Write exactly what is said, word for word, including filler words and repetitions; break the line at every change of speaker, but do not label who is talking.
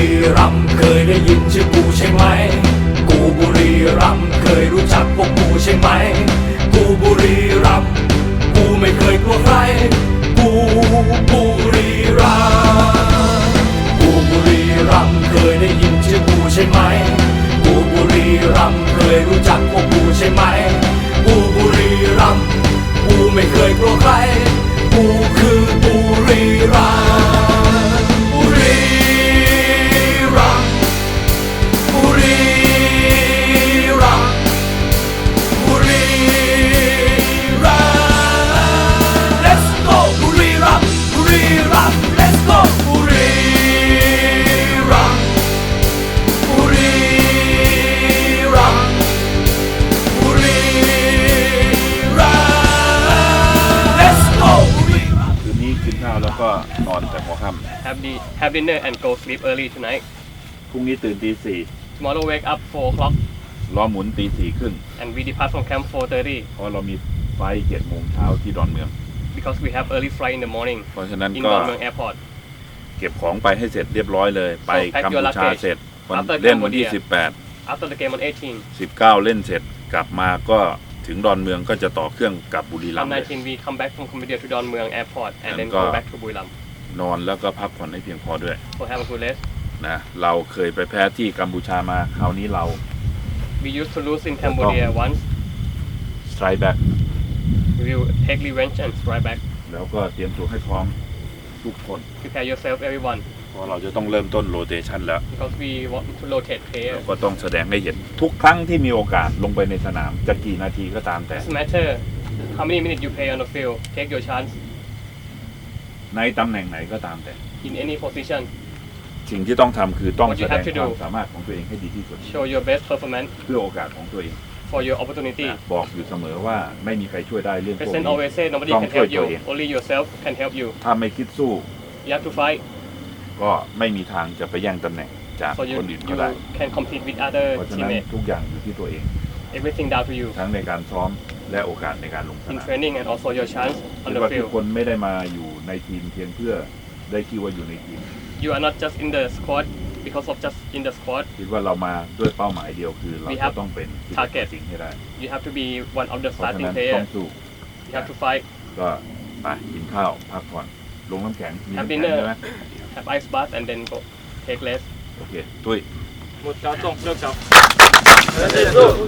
รีรัมย์เคยได้ยินชื่อกูใช่ไหมกูบุรีรัมย์เคยรู้จักพวกกูใช่ไหมกูบุรีรัมย์กูไม่เคยกลัวใครกูบุรีรัมย์กูบุรีรัมย์เคยได้ยินชื่อกูใช่ไหมกูบุรีรัมย์เคยรู้จักพวกกูใช่ไหมกูบุรีรัมย์กูไม่เคยกลัวใครกูคือบุรีรัมย์บุรีรัมย์บุรีรัมย์บุรีรัมย์ Let's go บุรีรัมย์บุรีรัมย์ Let's go บุรีรัมย์บุรีรัมย์บุรีรัมย์ Let's go บุรีรัมย์
คืนนี้กินข้าวแล้วก็นอนแต่หัวค่ำ
Have the have dinner and go sleep early tonight.
พรุ่งนี้ตื่นตีสี่
Tomorrow wake up four o'clock
ล้อหมุนตีสี่ครึ่ง
and we depart from camp four thirty
เพราะเรามีไฟล์เจ็ดโมงเช้าที่ดอนเมือง
because we have early flight in the morning
เพราะฉะนั้น
in
ก็
Don Mueang Airport.
เก็บของไปให้เสร็จเรียบร้อยเลย ไป
pack
กัม
your
พูชา
luggage
เสร็จวัน
after
เล่นวันที่
Cambodia
สิบแปด
After the game on eighteen,
สิบเก้าเล่นเสร็จกลับมาก็ถึงดอนเมืองก็จะต่อเครื่องกลับบุรีรัม
on
ย์เลย
nineteen we come back from Cambodia to Don Mueang Airport and then
And
go
go-
back to Buriram
นอนแล้วก็พักผ่อนให้เพียงพอด้วย
for have a good rest.
นะเราเคยไปแพ้ที่กัมพูชามาคราวนี้เรา
We used to lose in Cambodia once.
strike back
We will take revenge and strike back.
แล้วก็เตรียมตัวให้พร้อมทุกคน
Prepare yourself, everyone,
เพราะเราจะต้องเริ่มต้นโรเตชันแล้ว
because we want to rotate
เรา
players.
ก็ต้องแสดงให้เห็นทุกครั้งที่มีโอกาสลงไปในสนามจะกี่นาทีก็ตามแต่
Doesn't matter how many minutes you play on the field. Take your chance
ในตำแหน่งไหนก็ตามแต่
in any position.
สิ่งที่ต้องทำคือต้อง
What
แส
you
ดง
have to
ความ
do
สามารถของตัวเองให้ดีที่สุด
Show your best performance
เพื่อโอกาสของตัวเอง
for your opportunity.
นะบอกอยู่เสมอว่าไม่มีใครช่วยได้เรื่องพวก
President
นี้
always say nobody
Don't
can help
quit
you.
your aim.
Only yourself can help you.
ถ้าไม่คิดสู้
You have to fight
ก็ไม่มีทางจะไปแย่งตำแหน่งจาก
so you
คนอื่น
you
ก็ได้
can compete with other
เพราะฉะนั้น
teammates.
ทุกอย่างอยู่ที่ตัวเอง
Everything down to you
ทั้งในการซ้อมและโอกาสในการลงส
in
นาม
training and also your chance on
คิด
the
ว่าทุก
field.
คนไม่ได้มาอยู่ในทีมเพียงเพื่อได้ชื่อว่าอยู่ในทีม
You are not just in the squad because of just in the squad.
คิดว่าเรามาด้วยเป้าหมายเดียวคือเรา
We
จะ
have
ต้องเป็นที่
target
สิ่งให้ได้
You have to be one of the
เพราะฉะ
starting
นั้น
players.
ต้องสู้
You have to fight.
ก็ไปกินข้าวพักผ่อนลงน้ำแข็งมี
Have
น้ำแข็ง
dinner
ใช่ไหม
Have ice bath and then go take rest.
โอเคตุ้ย
หมดการส่งเลิกจับ